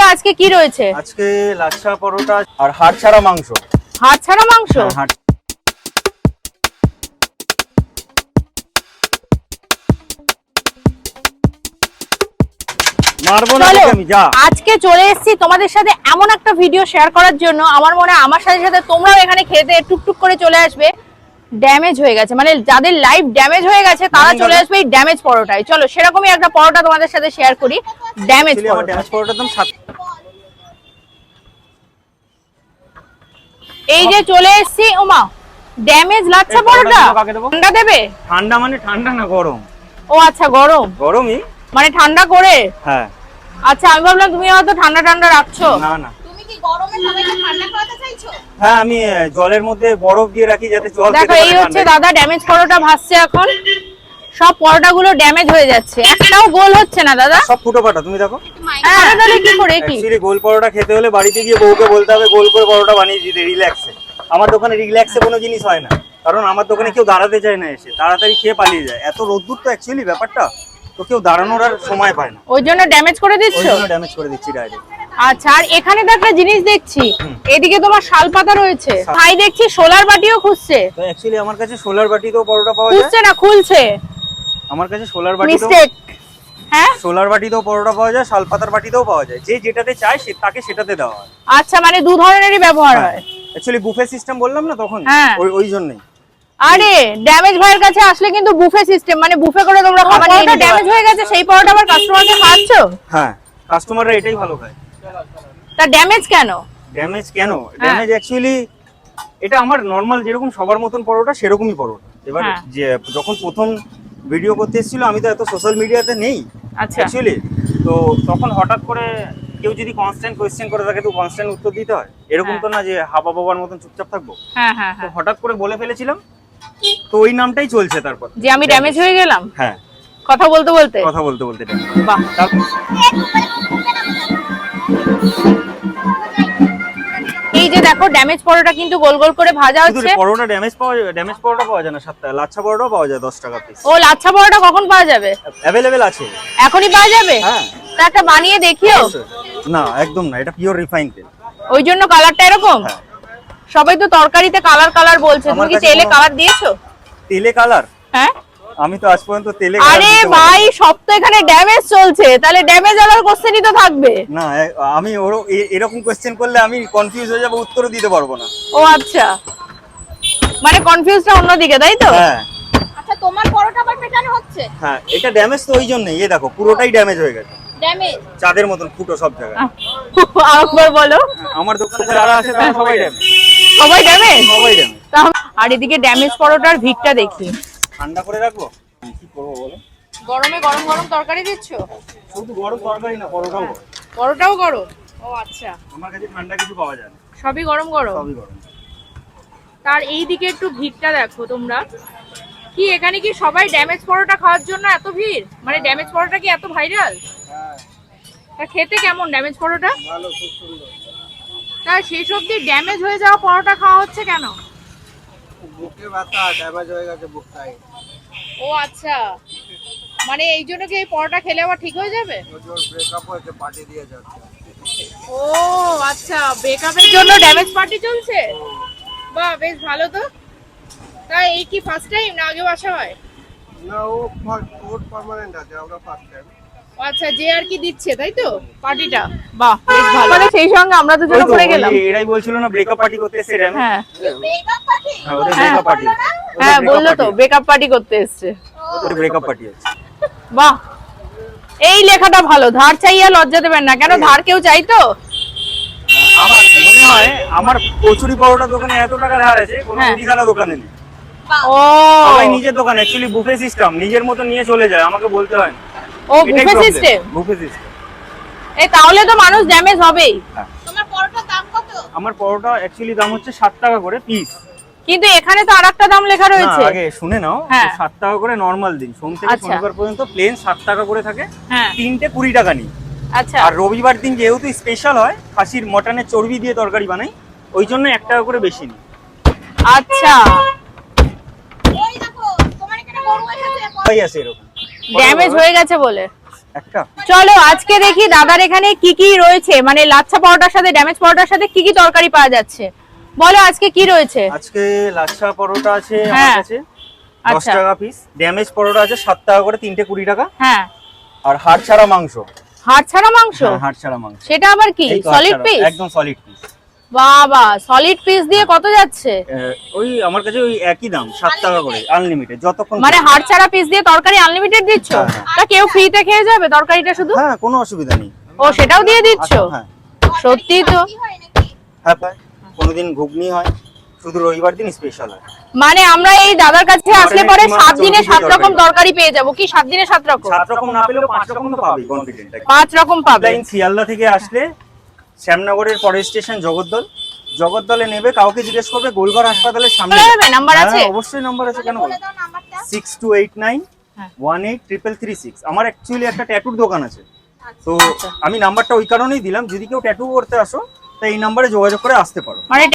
আজকে কি রয়েছে? আজকে লাচ্ছা পরোটা আর হাড় ছাড়া মাংস। হাড় ছাড়া মাংস? আজকে চলে এসেছি তোমাদের সাথে এমন একটা ভিডিও শেয়ার করার জন্য, আমার মনে হয় আমার সাথে সাথে তোমরাও এখানে খেতে টুকটুক করে চলে আসবে। ড্যামেজ হয়ে গেছে, মানে যাদের লাইফ ড্যামেজ হয়ে গেছে তারা চলে আসবে এই ড্যামেজ পরোটায়। চলো সেরকমই একটা পরোটা তোমাদের সাথে শেয়ার করি। ড্যামেজ পরোটা দাম 7। এই যে চলে এসেছি। ওমা, ড্যামেজ লাচ্ছা পরোটা। ঠান্ডা দেবে? ঠান্ডা মানে ঠান্ডা না, গরম। ও আচ্ছা, গরম। গরমই মানে ঠান্ডা করে? হ্যাঁ। আচ্ছা, আমি ভাবলাম তুমি হয়তো ঠান্ডা ঠান্ডা রাখছো। না না, তুমি কি গরমে সবাইকে ঠান্ডা করাতে চাইছো? হ্যাঁ, আমি জলের মধ্যে বরফ দিয়ে রাখি যাতে জল দেখো এই হচ্ছে দাদা ড্যামেজ পরোটা ভাসছে এখন। সব পরোটাগুলো ড্যামেজ হয়ে যাচ্ছে, একটাও গোল হচ্ছে না দাদা, সব ফুটো ফাটা। তুমি দেখো। হ্যাঁ, তাহলে কি করে কি? অ্যাকচুয়ালি গোল পরোটা খেতে হলে বাড়িতে গিয়ে বউকে বলতে হবে গোল করে পরোটা বানিয়ে দিতে, রিল্যাক্সে। আমার দোকানে রিল্যাক্সে কোনো জিনিস হয় না, কারণ আমার দোকানে কেউ দাঁড়াতে চায় না, এসে তাড়াতাড়ি খেয়ে পালিয়ে যায়। এত রোদ্দুর তো অ্যাকচুয়ালি ব্যাপারটা, তো কেউ দাঁড়ানোর আর সময় পায় না। ওই জন্য ড্যামেজ করে দিচ্ছ? ওই জন্য ড্যামেজ করে দিচ্ছি ডাইরেক্ট। আচ্ছা, আর এখানে তো একটা জিনিস দেখছি, এদিকে তোমার শালপাতা রয়েছে, ভাই দেখছি সোলার বাটিও খুঁজছে। তো অ্যাকচুয়ালি আমার কাছে সোলার বাটিতেও পরোটা পাওয়া যায়। খুঁজছে না, খুলছে। আমার কাছে সোলার বাটিতেও, মিস্টেক। হ্যাঁ, সোলার বাটিতেও পরোটা পাওয়া যায়, শালপাতার বাটিতেও পাওয়া যায়। যে যেটাতে চায় সে তাকে সেটাতে দেওয়া হয়। আচ্ছা, মানে দু ধরনেরই ব্যবহার হয়। অ্যাকচুয়ালি বুফে সিস্টেম বললাম না তখন, হ্যাঁ। ওই জন্যই। আরে ড্যামেজ ভাইয়ের কাছে আসলে কিন্তু বুফে সিস্টেম, মানে বুফে করে তোমরা খাবার নিয়ে নিতে। ড্যামেজ হয়ে গেছে সেই পরোটা আবার কাস্টমারকে খাওয়াচ্ছো? হ্যাঁ, কাস্টমাররা এটাই ভালো খায়। তা ড্যামেজ কেন? ড্যামেজ কেন? ড্যামেজ অ্যাকচুয়ালি এটা আমার নরমাল যেরকম সবার মতন পরোটা সেরকমই পরোটা। এবার যে যখন প্রথম ভিডিও করতে এসেছিল, আমি তো এত সোশ্যাল মিডিয়াতে নেই আচ্ছা, অ্যাকচুয়ালি। তো তখন হঠাৎ করে কেউ যদি কনস্ট্যান্ট কোয়েশ্চেন করে তাকে তো কনস্ট্যান্ট উত্তর দিতে হয়। এরকম তো না যে হাবা বাবার মতন চুপচাপ থাকবো। হ্যাঁ হ্যাঁ তো হ্যাঁ, হঠাৎ করে বলে ফেলেছিলাম, তো ওই নামটাই চলছে তারপর, যে আমি ড্যামেজ হয়ে গেলাম। হ্যাঁ, কথা বলতে বলতে। বাহ, এই যে দেখো ড্যামেজ পরোটা কিন্তু গোল গোল করে ভাজা হচ্ছে। পরোটা ড্যামেজ পরোটা পাওয়া যায় না 7 টাকা, লাচ্ছা পরোটাও পাওয়া যায় 10 টাকা পিস। ও, লাচ্ছা পরোটা কখন পাওয়া যাবে? অ্যাভেলেবেল আছে, এখনই পাওয়া যাবে? হ্যাঁ। তা একটা বানিয়ে দেখিও। না, একদম না, এটা পিওর রিফাইন তেল। ওই জন্য কালারটা এরকম। হ্যাঁ। সবাই তো তরকারিতে কালার কালার বলছে, তুমি কি তেলে কালার দিয়েছো? তেলে কালার? হ্যাঁ, আমি তো আজ পর্যন্ত তেলে আরে ভাই সব তো এখানে ড্যামেজ চলছে, তাহলে ড্যামেজ আলার কোশ্চেনই তো থাকবে না। আমি এরকম কোশ্চেন করলে আমি কনফিউজ হয়ে যাব, উত্তরও দিতে পারবো না। ও আচ্ছা, মানে কনফিউজটা অন্যদিকে, তাই তো? হ্যাঁ। আচ্ছা, তোমার পরোটা আবার পেটানো হচ্ছে? হ্যাঁ, এটা ড্যামেজ তো ওই জন্যই। এই দেখো পুরোটাই ড্যামেজ হয়ে গেছে, ড্যামেজ চাঁদের মতন ফুটো সব জায়গায়। আরেকবার বলো। আমার দোকানে যারা আছে তারা সবাই ড্যামেজ। সবাই ড্যামেজ? সবাই ড্যামেজ। আর এদিকে ড্যামেজ পরোটার ভিড়টা দেখি। ঠান্ডা করে রাখবো, কি করবো বলো? গরমে গরম গরম তরকারি দিচ্ছ? শুধু গরম তরকারি না, পরোটাও গরম। পরোটাও গরম? ও আচ্ছা, আমার কাছে ঠান্ডা কিছু পাওয়া যায় না, সবই গরম গরম। সবই গরম। তার এই দিকে একটু ভিড়টা দেখো তোমরা। কি এখানে কি সবাই ড্যামেজ পরোটা খাওয়ার জন্য এত ভিড়? মানে ড্যামেজ পরোটা কি এত ভাইরাল? তা খেতে কেমন ড্যামেজ পরোটা? ভালো, খুব সুন্দর। তা শেষ অবধি ড্যামেজ হয়ে যাওয়া পরোটা খাওয়া হচ্ছে কেন? বুকে ব্যথা, ড্যামেজ হয়ে গেছে বুকটাই। ও আচ্ছা, মানে এই জন্য কি এই পরোটা খেলে আবার ঠিক হয়ে যাবে? ব্রেকআপ হয়েছে, পার্টি দিয়ে যাচ্ছে। ও আচ্ছা, ব্রেকআপের জন্য ড্যামেজ পার্টি চলছে। বাহ, বেশ ভালো তো। তা এই কি ফার্স্ট টাইম না আগেও আসা হয়? না, ও পার্মানেন্ট আছে, আমরা ফার্স্ট টাইম। আচ্ছা, যে আর কি দিচ্ছে তাই তো পার্টিটা। বাহ, বেশ ভালো। মানে সেই সঙ্গে আমরা দুজন করে গেলাম। এরাই বলছিল না ব্রেকআপ পার্টি করতে এসেছে। হ্যাঁ ব্রেকআপ পার্টি? হ্যাঁ, ওদের ব্রেকআপ পার্টি। হ্যাঁ, বললো তো ব্রেকআপ পার্টি করতে এসেছে। ওদের ব্রেকআপ পার্টি আছে। বাহ, এই লেখাটা ভালো। ধার চাইয়া লজ্জা দেবেন না। কেন, ধার কেউ চাইতো? আমার মনে হয় আমার কচুরি পরোটা দোকানে এত টাকা ধার আছে, কোনো মুদিখানা দোকানে নেই। ও, সবাই নিজের দোকান, অ্যাকচুয়ালি বুফে সিস্টেম, নিজের মতো নিয়ে চলে যায়, আমাকে বলতে হয় না। ও বুফে সিস্টেম। Buffet system. এই তাহলে তো মানুষ ড্যামেজ হবেই। তোমার পরোটার দাম কত? আমার পরোটা অ্যাকচুয়ালি দাম হচ্ছে 7 টাকা করে পিস। কিন্তু এখানে তো আরেকটা দাম লেখা রয়েছে। আগে শুনে নাও, 7 টাকা করে নরমাল দিন, সোম থেকে শনিবার পর্যন্ত প্লেন 7 টাকা করে থাকে। হ্যাঁ, তিনটে 20 টাকা নিই। আচ্ছা, আর রবিবার দিন যেহেতু স্পেশাল হয়, খাসির মটনের চর্বি দিয়ে তরকারি বানাই, ওই জন্য 1 টাকা করে বেশি নিই। আচ্ছা, ওই দেখো তোমার এখানে গরু এসেছে। ভাই আছে এরকম ড্যামেজ হয়ে গেছে বলে। একটা চলো আজকে দেখি দাদার এখানে কি কি রয়েছে, মানে লাচ্ছা পরোটার সাথে ড্যামেজ পরোটার সাথে কি কি তরকারি পাওয়া যাচ্ছে। বলো আজকে কি রয়েছে। আজকে লাচ্ছা পরোটা আছে আমার হ্যাঁ। কাছে 10 আচ্ছা। টাকা পিস, ড্যামেজ পরোটা আছে 7 টাকা করে, 3টে 20 টাকা, হ্যাঁ, আর হাড় ছাড়া মাংস। হাড় ছাড়া মাংস, হ্যাঁ, হাড় ছাড়া মাংস। সেটা আবার কি? এই তো সলিড হাড় ছাড়া, পিস? একদম সলিড পিস। বাবা, সলিড পিস দিয়ে কত যাচ্ছে? ওই আমার কাছে ওই একই দাম 7 টাকা করে, আনলিমিটেড যতক্ষণ। মানে হাড় ছাড়া পিস দিয়ে তরকারি আনলিমিটেড দিচ্ছ? হ্যাঁ, হ্যাঁ। তা কেউ ফ্রিতে খেয়ে যাবে তরকারিটা শুধু? হ্যাঁ, কোনো অসুবিধা নেই। ও, সেটাও দিয়ে দিচ্ছ? হ্যাঁ সত্যি তো। কি হয় নাকি? হ্যাঁ, পায়। কোনোদিন ঘুগনি হয়, শুধু রবিবার দিন স্পেশাল হয়। মানে আমরা এই দাদার কাছে আসলে পরে এখানে 7 দিনে 7 চর্বি রকম তরকারি। তরকারি পেয়ে যাবো কি? 7 দিনে 7 রকম? 7 রকম না পেলেও 5 রকম তো পাবেই, কনফিডেন্ট। 5 রকম পাবে। লাইন শিয়ালদা থেকে আসলে শ্যামনগরের পরের স্টেশন জগদ্দলে নেবে, কাউকে জিজ্ঞেস করবে গোলঘর হাসপাতালের সামনে। বলে দেবে, নাম্বার হ্যাঁ, আছে? অবশ্যই নাম্বার আছে, কেন বলে দাও নাম্বারটা। 6289 হ্যাঁ। 183336। আমার অ্যাকচুয়ালি একটা ট্যাটুর দোকান আছে, তো আচ্ছা। আমি নাম্বারটা ওই কারণেই দিলাম, যদি কেউ ট্যাটু করতে আসো তাই এই নাম্বারে যোগাযোগ করে আসতে পারো। মানে